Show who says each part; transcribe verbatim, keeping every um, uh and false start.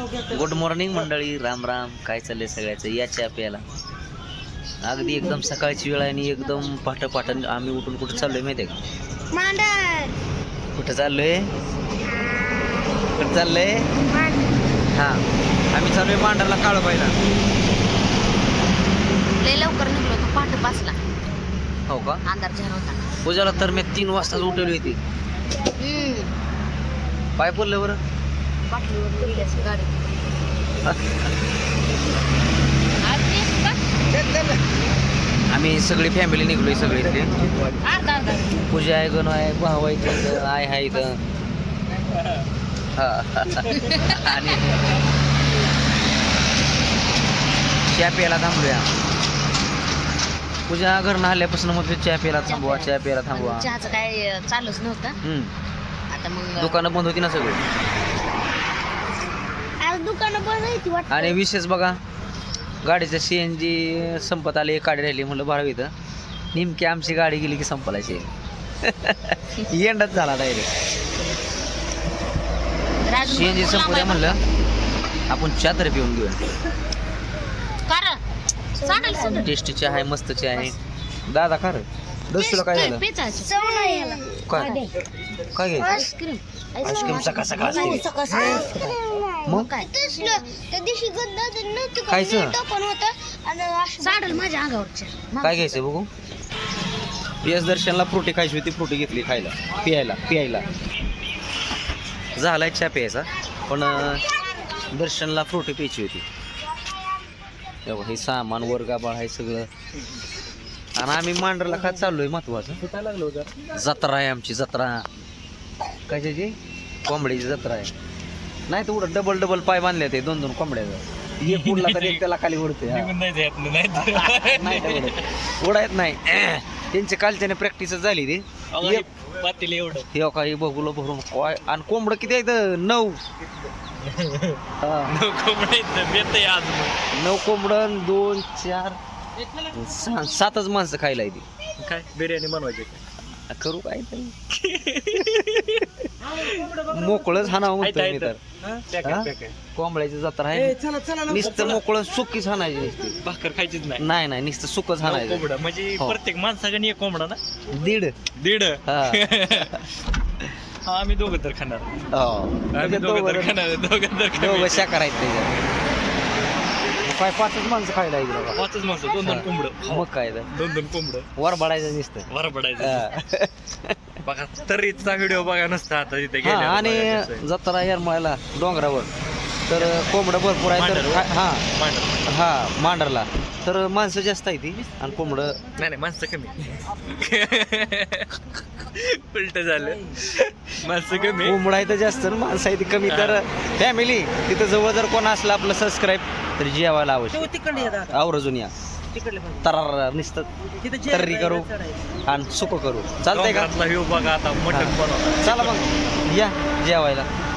Speaker 1: Good morning मंडळी, राम राम. काय चाललंय सगळ्याचं? या चहा प्यायला. अगदी एकदम सकाळची वेळ आहे आणि एकदम पाठ पाठ आम्ही उठून कुठं चाललोय माहिती आहे का?
Speaker 2: मांडर.
Speaker 1: कुठं चाललोय? कुठं चाललोय? हा, आम्ही चाललोय मांडरला काळं पाहिला.
Speaker 2: लय लवकर निघलो होतो, पहाटे पाचला.
Speaker 1: हो का?
Speaker 2: अंधार झाला होता.
Speaker 1: पूजाला तर मी तीन वाजताच उठवली होती. पाय पडलं बरं.
Speaker 2: बाटलीवर गेली अशी गाडी.
Speaker 1: आम्ही सगळी फॅमिली निघलोय सगळी इथली.
Speaker 2: अर्धा अर्धा
Speaker 1: पूजा आहे, गण आहे, भाऊ आहे इथं, आय आहे इथं. हा आणि चहा प्यायला थांबूया. पूजा घरनं आल्यापासून मग चहा प्यायला थांबवा, चहा प्यायला थांबवा.
Speaker 2: चहाचं काय चालूच नव्हतं.
Speaker 1: हम्म
Speaker 2: आता मग
Speaker 1: दुकानं बंद होती ना सगळी.
Speaker 2: आज दुकानं बंद होती वाटतं.
Speaker 1: आणि विशेष बघा, गाडीचं सी एन जी संपत आले, एक गाडी राहिली. म्हणलं बारा इथं नेमकी आमची गाडी गेली की संपलायची. एंडच झाला डायरेक्ट. सी एन जी संपल्या म्हणलं आपण चहा तरी पिऊन घेऊया. टेस्टी चहा आहे, मस्त चहा आहे. दादा खा रे, दस तुला काय झालं? काय काय घ्यायचं?
Speaker 2: आईस्क्रीम
Speaker 1: आईस्क्रीम सकाळ सकाळ असते. मग
Speaker 2: काय त्या दिवशी
Speaker 1: खायचं?
Speaker 2: साडल माझ्या अंगावरच्या.
Speaker 1: काय घ्यायचं बघू? यश दर्शनला फ्रुटी खायची होती, फ्रुटी घेतली खायला, पियायला पियायला झालाय चहा प्यायचा. पण दर्शनला फ्रुटी प्यायची होती. तेव्हा हे सामान वर्गाबाळ आहे सगळं. आणि आम्ही मांडरला खात चाललोय. महत्वाचं जत्रा आहे आमची, जत्रा. कशाची? कोंबड्याची जत्रा आहे. नाही तर उडत डबल डबल पाय बांधले ते दोन दोन कोंबड्याचं. एक उडला तर एक त्याला खाली उडते. उडायत नाही. त्यांची कालच्याने प्रॅक्टिस झाली ती. हे काही बघूला भरून काय. आणि कोंबड किती आहेत? नऊ. नऊ कोंबड, दोन चार सहा सातच माणसं खायला येते.
Speaker 3: काय बिर्याणी बनवायची
Speaker 1: करू काय मोकळच हाणावं म्हणतोय मी तर. कोंबड्याची जत्रा आहे, नुसतं मोकळं सुकीच हाणायची नुसती.
Speaker 3: भाकर खायचीच नाही.
Speaker 1: नाही नाही नुसतं सुकच हाणायचं.
Speaker 3: कोंबडा म्हणजे
Speaker 1: हो.
Speaker 3: प्रत्येक माणसाकडे एक कोंबडा ना.
Speaker 1: दीड
Speaker 3: दीड.
Speaker 1: हा.
Speaker 3: हा, आम्ही दोघं तर खाणार.
Speaker 1: हो.
Speaker 3: आम्ही दोघं तर खाणार, दोघं तर
Speaker 1: दोघं शाकाहार आहेत त्याच्यात. काय पाचच माणसं खायला येईल बाबा.
Speaker 3: पाचच माणसं, दोन दोन कोंबडं.
Speaker 1: मग काय तर
Speaker 3: दोन दोन कोंबडं
Speaker 1: वर बडायचं नुसतं.
Speaker 3: वर पडायचं. बघा तरीचा व्हिडिओ बघा नसता आता तिथे
Speaker 1: हा.
Speaker 3: गेल्यावर
Speaker 1: आणि
Speaker 3: बघायचं आहे.
Speaker 1: जत्रा येरमाळ्याला डोंगरावर तर कोंबडं भरपूर आहे. तर
Speaker 3: मांडरला.
Speaker 1: हा
Speaker 3: मांडर.
Speaker 1: हा मांडरला तर माणसं जास्त आहे ती आणि कोंबडं
Speaker 3: नाही नाही माणसं कमी. उलट झालं. माणसं कमी.
Speaker 1: कोंबडं आहे तर जास्त आणि माणसं आहे ती कमी. तर फॅमिली तिथं जवळ जर कोण असलं आपलं सबस्क्राईब तर जेवायला आवश्यक आवर्जून या. तरार नुसतं तर्री करू आणि सुकं करू. चालतंय का?
Speaker 3: डोंगरातला व्ह्यू बघा आता. मटण बनवतात.
Speaker 1: चला मग या जेवायला.